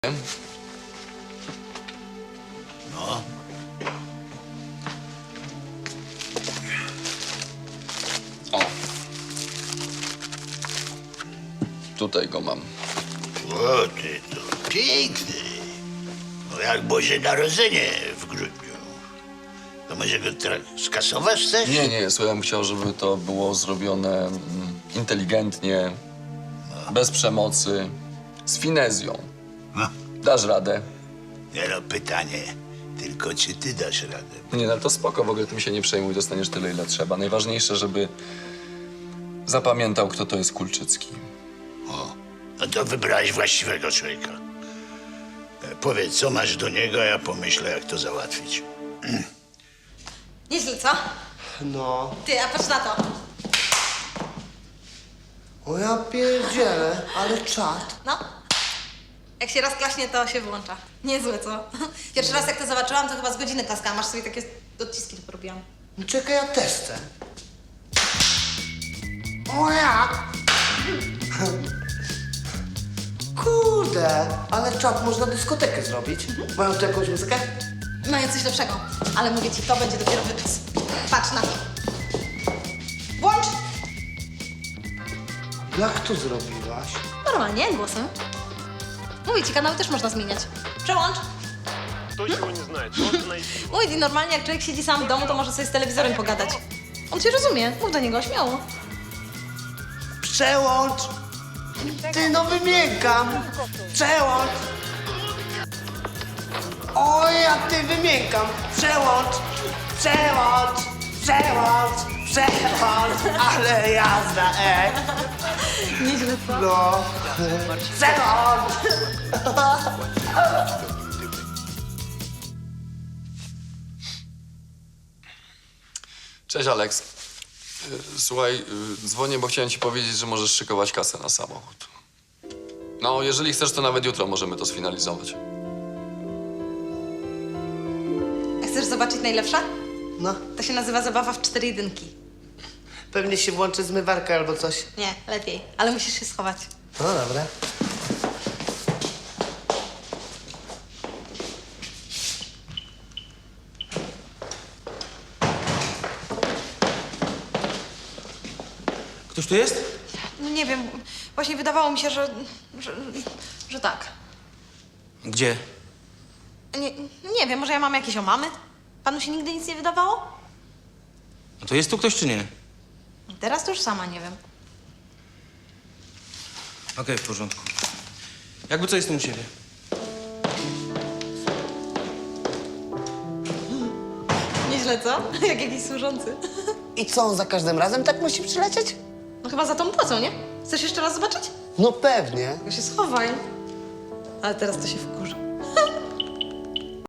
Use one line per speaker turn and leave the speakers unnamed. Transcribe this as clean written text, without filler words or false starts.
No.
O. Tutaj go mam.
O, ty to piękny. No jak Boże Narodzenie w grudniu. To może go skasować chcesz?
Nie, słuchaj, ja bym chciał, żeby to było zrobione inteligentnie, bez przemocy, z finezją.
No.
Dasz radę?
Nie no, pytanie. Tylko czy ty dasz radę?
Nie, no to spoko, w ogóle tym się nie przejmuj, dostaniesz tyle, ile trzeba. Najważniejsze, żeby zapamiętał, kto to jest Kulczycki.
O, no to wybrałeś właściwego człowieka. Powiedz, co masz do niego, a ja pomyślę, jak to załatwić.
Nieźle, co?
No.
Ty, a patrz na to.
O ja pierdzielę, ale czad.
No. Jak się raz klaśnie, to się włącza. Niezłe, co? Pierwszy raz jak to zobaczyłam, to chyba z godziny klaskałam. Aż sobie takie odciski tu porobiłam.
No czekaj, ja też chcę. O jak? Kurde, ale czad można dyskotekę zrobić. Mają tu jakąś muzykę?
Mają coś lepszego. Ale mówię ci, to będzie dopiero wykaz. Patrz na to. Włącz!
Jak to zrobiłaś?
Normalnie, głosem. Mówię ci, kanały też można zmieniać. Przełącz.
Кто чего не знает, тот найди.
Mówię ci, normalnie jak człowiek siedzi sam w domu, to może sobie z telewizorem pogadać. On cię rozumie. Mów do niego, śmiało.
Przełącz! Ty, no wymiękam! Przełącz! O, ja ty wymiękam! Przełącz! Przełącz! Przełącz! Przełącz! Ale jazda,
Nieźle, co?
No! Przełącz!
Cześć, Aleks. Słuchaj, dzwonię, bo chciałem ci powiedzieć, że możesz szykować kasę na samochód. No, jeżeli chcesz, to nawet jutro możemy to sfinalizować.
A chcesz zobaczyć najlepsza?
No,
To się nazywa zabawa w 4 jedynki.
pewnie się włączy zmywarka albo coś.
Nie, lepiej. Ale musisz się schować.
No dobra.
Ktoś tu jest?
No nie wiem, właśnie wydawało mi się, że tak.
Gdzie?
Nie wiem, może ja mam jakieś omamy? Panu się nigdy nic nie wydawało?
No to jest tu ktoś czy nie?
Teraz to już sama nie wiem.
Okej, w porządku. Jakby co, jestem u siebie.
Nieźle, co? Jak jakiś służący.
I co, on za każdym razem tak musi przylecieć?
No chyba za tą płacą, nie? Chcesz jeszcze raz zobaczyć?
No pewnie.
To się schowaj. Ale teraz to się wkurzy.